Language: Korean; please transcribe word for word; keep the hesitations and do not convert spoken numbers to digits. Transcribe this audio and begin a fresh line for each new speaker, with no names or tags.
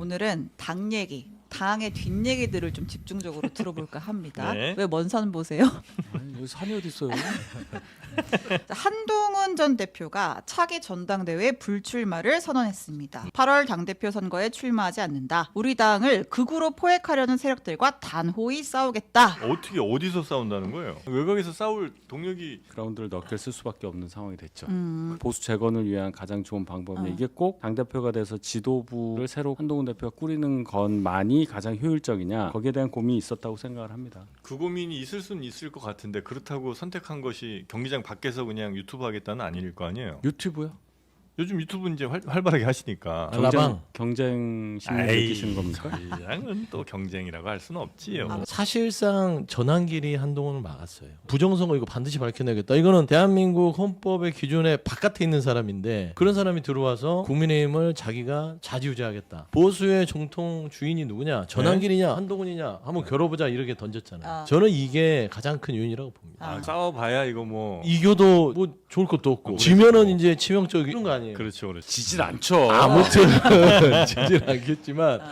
오늘은 당 얘기, 당의 뒷얘기들을 좀 집중적으로 들어볼까 합니다.
네.
왜 먼 산 보세요?
아니, 여기 산이 어디 있어요?
한동훈 전 대표가 차기 전당대회 불출마를 선언했습니다. 팔월 당대표 선거에 출마하지 않는다. 우리 당을 극우로 포획하려는 세력들과 단호히 싸우겠다.
어떻게 어디서 싸운다는 거예요? 외곽에서 싸울 동력이
그라운드를 넓게 쓸 수밖에 없는 상황이 됐죠.
음,
보수 재건을 위한 가장 좋은 방법이
어.
이게 꼭 당대표가 돼서 지도부를 새로 한동훈 대표가 꾸리는 것만이 가장 효율적이냐, 거기에 대한 고민이 있었다고 생각을 합니다.
그 고민이 있을 수는 있을 것 같은데 그렇다고 선택한 것이 경기장 밖에서 그냥 유튜브 하겠다는 아닐 거 아니에요.
유튜브요?
요즘 유튜브 이제 활, 활발하게 하시니까.
라방.
경쟁 심리 느끼시는 겁니까?
그냥은 또 경쟁이라고 할 수는 없지요.
아,
사실상 전환길이 한동훈을 막았어요. 부정선거 이거 반드시 밝혀내겠다. 이거는 대한민국 헌법의 기준에 바깥에 있는 사람인데 그런 사람이 들어와서 국민의힘을 자기가 좌지우지하겠다. 보수의 정통 주인이 누구냐? 전환길이냐? 한동훈이냐? 한번 겨뤄보자 이렇게 던졌잖아요.
아.
저는 이게 가장 큰 요인이라고 봅니다.
아.
아, 싸워봐야 이거 뭐.
이겨도 뭐 좋을 것도 없고
아,
지면은 이제 치명적인 거 아니에요.
그렇죠, 그렇죠.
지질 않죠.
아무튼 지질 않겠지만